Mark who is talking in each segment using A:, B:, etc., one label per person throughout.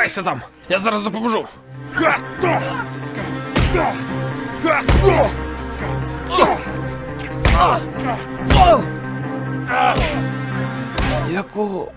A: Ховайся там! Я зараз допоможу! Якого?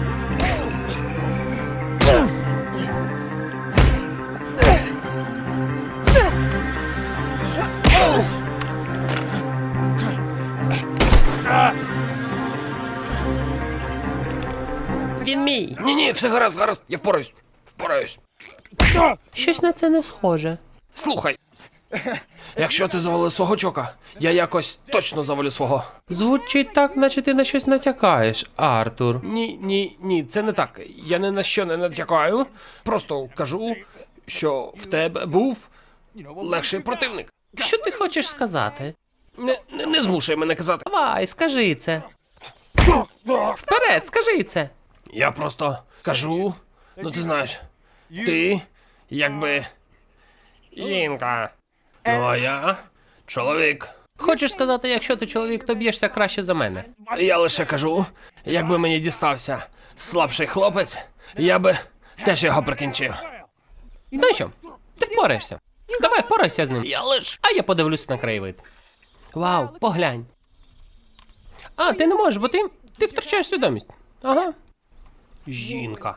B: Він мій.
A: Ні, все гаразд, я впораюсь.
B: Щось на це не схоже.
A: Слухай, якщо ти завалив свого чока, я якось точно завалю свого.
B: Звучить так, наче ти на щось натякаєш, Артур.
A: Ні, це не так. Я ні на що не натякаю. Просто кажу, що в тебе був легший противник.
B: Що ти хочеш сказати?
A: Не змушуй мене казати.
B: Давай, скажи це. Вперед, скажи це.
A: Я просто кажу, ну ти знаєш, ти якби жінка. Ну а я чоловік.
B: Хочеш сказати, якщо ти чоловік, то б'єшся краще за мене.
A: Я лише кажу, якби мені дістався слабший хлопець, я би теж його прикінчив.
B: Знаєш що? Ти впораєшся. Давай впорайся з ним. А я подивлюся на краєвид. Вау, поглянь. А, ти не можеш, бо ти втрачаєш свідомість. Ага.
A: Жінка.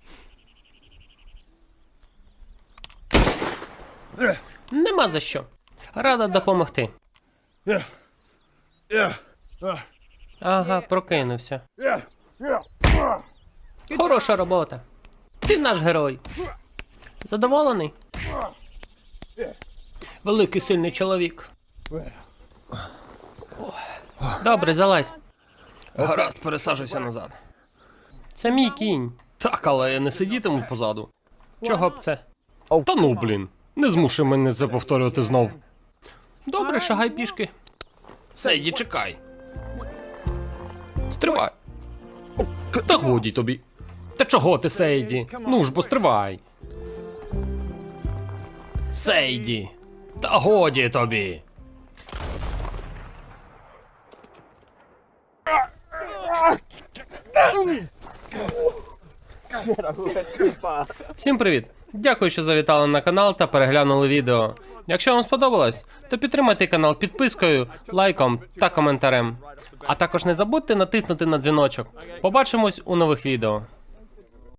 B: Нема за що. Рада допомогти. Ага, прокинувся. Хороша робота. Ти наш герой. Задоволений? Великий сильний чоловік. Добре, залазь.
A: Гаразд, пересаджуйся назад.
B: Це мій кінь.
A: Так, але я не сидітиму позаду.
B: Чого б це?
A: Та ну, блін. Не змушуй мене це повторювати знов.
B: Добре, шагай пішки.
A: Сейді, чекай.
B: Стривай.
A: Та годі тобі. Та чого ти, Сейді? Ну ж, бо стривай. Сейді. Та годі тобі.
B: Всім привіт! Дякую, що завітали на канал та переглянули відео. Якщо вам сподобалось, то підтримайте канал підпискою, лайком та коментарем. А також не забудьте натиснути на дзвіночок. Побачимось у нових відео.